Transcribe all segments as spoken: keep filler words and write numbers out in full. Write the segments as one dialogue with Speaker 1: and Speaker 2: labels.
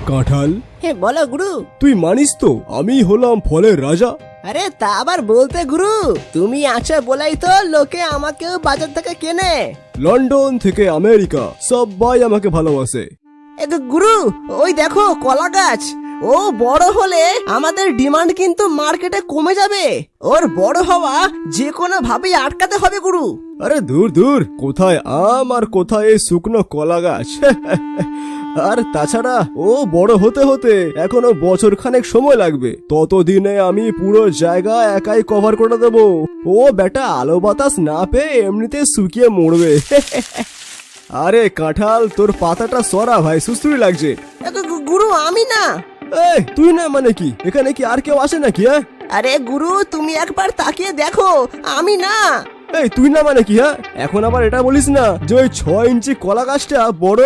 Speaker 1: কাঁঠাল,
Speaker 2: হ্যাঁ বলো গুরু।
Speaker 1: তুই মানিস তো আমি হলাম ফলের রাজা?
Speaker 2: আরে তা আবার বলতে গুরু, তুমি আছো বলেই তো লোকে আমাকেও বাজার থেকে কেনে।
Speaker 1: লন্ডন থেকে আমেরিকা সবাই আমাকে ভালোবাসে।
Speaker 2: এ তো গুরু, ওই দেখো কলা গাছ, ও বড় হলে আমাদের ডিমান্ড কিন্তু মার্কেটে কমে যাবে। ওর বড় হওয়া যে কোনো ভাবেই আটকাতে হবে গুরু।
Speaker 1: আরে দূর দূর, কোথায় আম আর কোথায় এই শুকনো কলা গাছ। আর তাছাড়া ও বড় হতে হতে এখনো বছর খানেক সময় লাগবে। ততদিনে আমি পুরো জায়গা একাই কভার করে দেব। ও বেটা আলো বাতাস না পেয়ে এমনিতে শুকিয়ে মরবে। আরে কাঁঠাল, তোর পাতাটা সরা ভাই, সুস্থুরি লাগছে।
Speaker 2: এ তো গুরু আমি না।
Speaker 1: এই তুই না মানে কি? এখানে কি আর কেউ আসে নাকি? হ্যাঁ
Speaker 2: আরে গুরু তুমি একবার তাকিয়ে দেখো, আমি না।
Speaker 1: এই তুই না মানে কি? হ্যাঁ এখন আবার এটা বলিস না যে ওই ছয় ইঞ্চি কলা গাছটা বড়।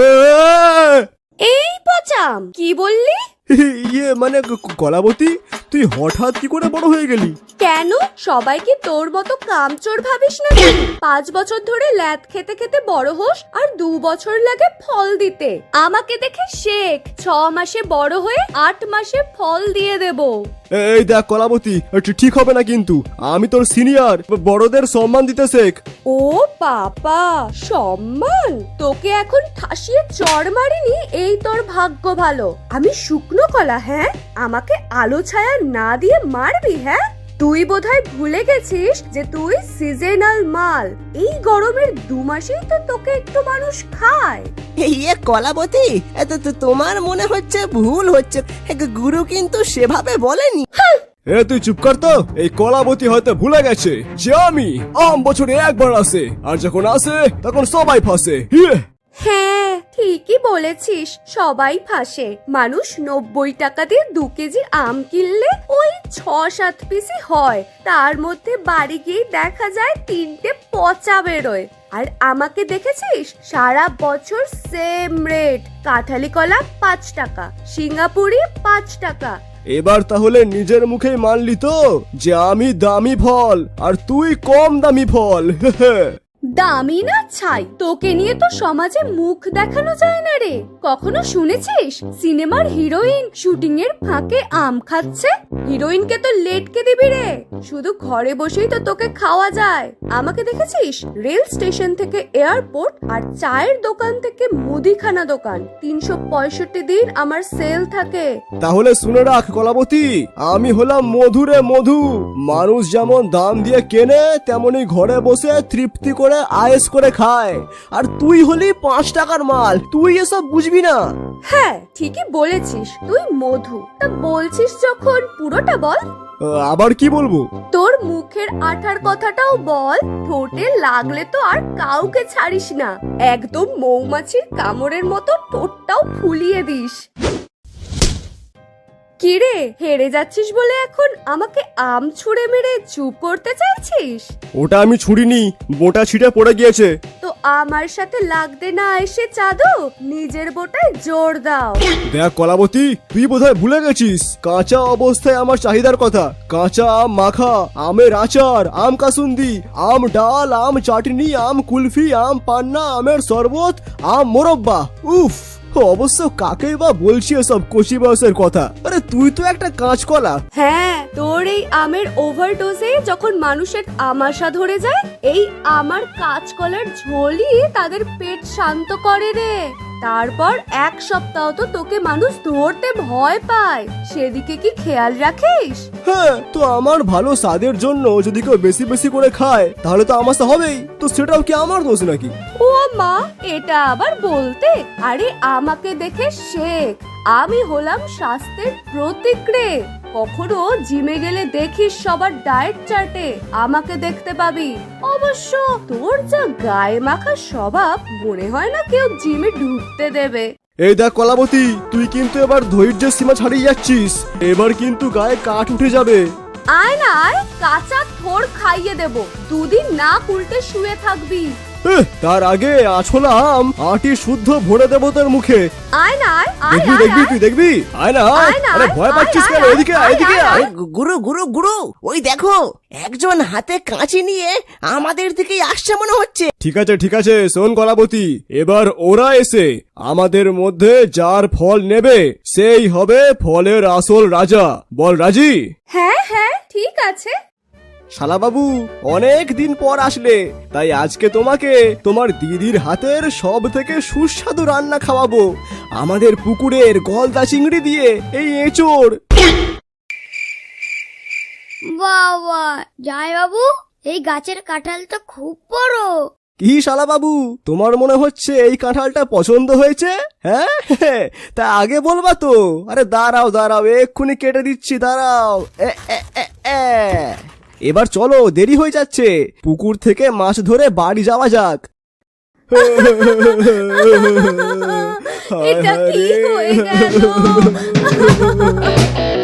Speaker 3: এই পচাম, কি বললি?
Speaker 1: ইয়ে মানে কলাবতী, তুই হঠাৎ কি করে বড় হয়ে গেলি?
Speaker 3: কেন, সবাই কি তোর মতো কামচোর ভাবিস না? পাঁচ বছর ধরে ল্যাদ খেতে খেতে বড় হোস আর দু বছর লাগে ফল দিতে। আমাকে দেখে শেখ, ছ মাসে বড় হয়ে আট মাসে ফল দিয়ে দেব।
Speaker 1: এই দেখ কলাবতী, ঠিক হবে না কিন্তু। আমি তোর সিনিয়র, বড়দের সম্মান দিতে শেখ।
Speaker 3: ও বাবা, সম্মান? তোকে এখন ঠাসিয়ে চড় মারিনি, এই তোর ভাগ্য ভালো। আমি শুকনো কলা, হ্যাঁ? আমাকে আলো ছায়া না দিয়ে মারবি? হ্যাঁ, তুই বোধহয় ভুলে গেছিস যে তুই সিজনাল মাল। এই গরমের দু মাসেই তো তোকে একটু মানুষ খায়।
Speaker 2: ইয়ে কলাবতী, এত তো তোমার মনে হচ্ছে ভুল হচ্ছে। গুরু কিন্তু সেভাবে বলেনি।
Speaker 1: এ তুই চুপ কর তো। এই কলাবতী হয়তো ভুলে গেছে যে আমি আম বছরে একবার আসে, আর যখন আসে তখন সবাই ফাঁসে।
Speaker 3: হ্যাঁ ঠিকই বলেছিস, সবাই ফাঁসে। মানুষ নব্বই টাকা দিয়ে দু কেজি আম কিনলে ওই ছ সাত পিসই হয়, তার মধ্যে বাড়ি গিয়ে দেখা যায় তিনটে পচা বেরোয়। আর আমাকে দেখেছিস, সারা বছর সেম রেট। কাঁঠালি কলা পাঁচ টাকা, সিঙ্গাপুরি পাঁচ টাকা।
Speaker 1: এবার তাহলে নিজের মুখেই মানলি তো যে আমি দামি ফল আর তুই কম দামি ফল।
Speaker 3: দামি না ছাই, তোকে নিয়ে তো সমাজে মুখ দেখানো যায় না রে। কখনো শুনেছিস সিনেমার হিরোইন শুটিং এর ফাঁকে আম খাচ্ছে? হিরোইনকে তো লেটকে দিবি রে, শুধু ঘরে বসেই তো তোকে খাওয়া যায়। আমাকে দেখেছিস রেল স্টেশন থেকে এয়ারপোর্ট আর চায়ের দোকান থেকে মুদিখানা দোকান, তিনশো পঁয়ষট্টি দিন আমার সেল থাকে।
Speaker 1: তাহলে শুনে রাখ কলাবতী, আমি হলাম মধুরে মধু। মানুষ যেমন দাম দিয়ে কেনে, তেমনি ঘরে বসে তৃপ্তি করে আয়েস করে খায়। আর তুই হলি পাঁচ টাকার মাল, তুই এসব বুঝবি না।
Speaker 3: হ্যাঁ ঠিকই বলেছিস, তুই মধু। তা বলছিস যখন পুরোটা বল।
Speaker 1: আবার কি বলবো?
Speaker 3: তোর মুখের আঠার কথাটাও বল। ঠোঁটে লাগলে তো আর কাউকে ছাড়িস না, একদম মৌমাছির কামড়ের মতো ঠোঁটটাও ফুলিয়ে দিস। কিরে, হেরে যাচ্ছিস বলে এখন আমাকে আম ছুঁড়ে মেরে চুপ করতে চাইছিস?
Speaker 1: ওটা আমি ছুড়িনি, বোটা ছিটে পড়ে গিয়েছে।
Speaker 3: তো আমার সাথে লাগতে না এসে চাঁদো, নিজের বোটায় জোর দাও।
Speaker 1: দেখ কলাবতী, তুই বোধহয় ভুলে গেছিস কাঁচা অবস্থায় আমার চাহিদার কথা। কাঁচা আম মাখা, আমের আচার, আম কাসুন্দি, আম ডাল, আম চাটনি, আম কুলফি, আম পান্না, আমের শরবত, আম মোরব্বা। উফ, অবশ্য কাকেই বা বলছি এসব কচি বয়সের কথা। আরে তুই তো একটা কাঁচকলা।
Speaker 3: হ্যাঁ, তোর এই আমের ওভারডোজে যখন মানুষের আমাশা ধরে যায়, এই আমার কাঁচকলার ঝোলই তাদের পেট শান্ত করে রে। তারপর এক সপ্তাহ তো তোকে মানুষ ধরতে ভয় পায়, সেদিকে কি খেয়াল রাখিস?
Speaker 1: হ্যাঁ, তো আমার ভালো স্বাদের জন্য যদি কেউ বেশি বেশি করে খায় তাহলে তো আমাশা হবেই। তো সেটাও কি আমার দোষ নাকি?
Speaker 3: ও মা, এটা আবার বলতে? আরে আমাকে দেখে শেখ, আমি হলাম স্বাস্থ্যের প্রতীক রে। কখনো জিমে গেলে দেখিস সবার ডায়েট চার্টে আমাকে দেখতে পাবি। অবশ্য তোর যা গায়ে মাখা স্বভাব, মনে হয় না কেউ জিমে ঢুকতে দেবে।
Speaker 1: এই দেখ কলাবতী, তুই কিন্তু এবার ধৈর্যের সীমা ছাড়িয়ে যাচ্ছিস। এবার কিন্তু গায়ে কাঠ উঠে যাবে।
Speaker 3: আয় না আয়, কাঁচা থোড় খাইয়ে দেব, দুদিন না উল্টে শুয়ে থাকবি।
Speaker 1: এহ, তার আগে আছলা আম আটি শুদ্ধ ভরে দেবো তোর মুখে।
Speaker 3: আয় না আয় আয়
Speaker 1: দেখবি
Speaker 3: আয়,
Speaker 1: দেখবি
Speaker 3: আয়।
Speaker 1: তুই দেখবি, আয় না আয়।
Speaker 3: আয় না,
Speaker 1: আরে
Speaker 3: আয়,
Speaker 1: ভয়
Speaker 3: আয়,
Speaker 1: পাচ্ছিস
Speaker 3: আয়,
Speaker 1: কেন?
Speaker 3: আয়,
Speaker 1: এদিকে আয়,
Speaker 3: আয়,
Speaker 1: এদিকে
Speaker 3: আয়,
Speaker 1: আয়।
Speaker 2: ওই গুরু গুরু গুরু ওই দেখো একজন হাতে কাঁচি নিয়ে আমাদের দিকেই আসছে মনে হচ্ছে।
Speaker 1: ঠিক আছে ঠিক আছে, শোন কলাবতী, এবার ওরা এসে আমাদের মধ্যে যার ফল নেবে সেই হবে ফলের আসল রাজা। বল রাজি?
Speaker 3: হ্যাঁ হ্যাঁ ঠিক আছে।
Speaker 1: শালাবাবু, অনেক দিন পর আসলে, তাই আজকে তোমাকে তোমার দিদির হাতের সব থেকে সুস্বাদু রান্না খাওয়াবো, আমাদের পুকুরের গলদা চিংড়ি দিয়ে এই এঁচোড়।
Speaker 4: বাবা জয় বাবু, এই গাছের কাঁঠাল তো খুব বড়।
Speaker 1: কি শালাবাবু, তোমার মনে হচ্ছে এই কাঁঠালটা পছন্দ হয়েছে? হ্যাঁ তা আগে বলবা তো। আরে দাঁড়াও দাঁড়াও, এক্ষুনি কেটে দিচ্ছি, দাঁড়াও। এ, এ, এ, এ। এবার চলো, দেরি হয়ে যাচ্ছে, পুকুর থেকে মাছ ধরে বাড়ি যাওয়া যাক।
Speaker 3: এটা কি হয়ে গেল?